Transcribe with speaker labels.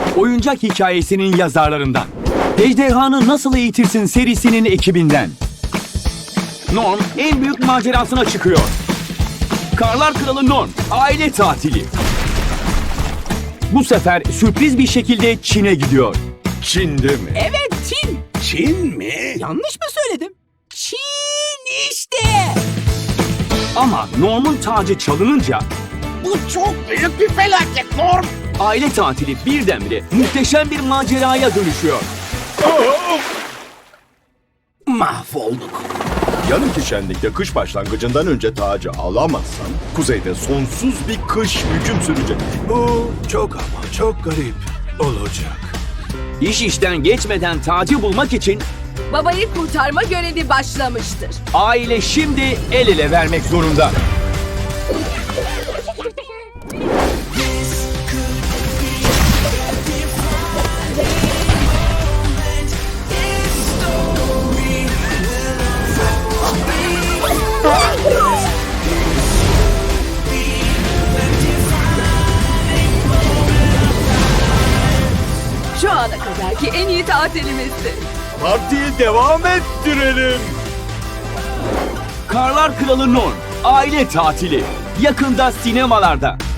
Speaker 1: oyuncak hikayesinin yazarlarından. Ejderhanı Nasıl Eğitirsin serisinin ekibinden. Norm en büyük macerasına çıkıyor. Karlar Kralı Norm, aile tatili. Bu sefer sürpriz bir şekilde Çin'e gidiyor.
Speaker 2: Çin'de mi?
Speaker 3: Evet, Çin.
Speaker 2: Çin mi?
Speaker 3: Yanlış mı söyledim? Çin işte.
Speaker 1: Ama Norm'un tacı çalınınca
Speaker 2: Bu çok büyük bir felaket Norm.
Speaker 1: aile tatili birdenbire muhteşem bir maceraya dönüşüyor.
Speaker 2: Mahvolduk. Yarınki şenlikte kış başlangıcından önce tacı alamazsan kuzeyde sonsuz bir kış hüküm sürecek.
Speaker 4: Bu çok ama çok garip olacak.
Speaker 1: İş işten geçmeden tacı bulmak için
Speaker 5: Babayı kurtarma görevi başlamıştır.
Speaker 1: aile şimdi el ele vermek zorunda.
Speaker 5: Şu ana kadarki en iyi tatilimizdi.
Speaker 2: Partiyi devam ettirelim.
Speaker 1: Karlar Kralı Norm, aile tatili. Yakında sinemalarda.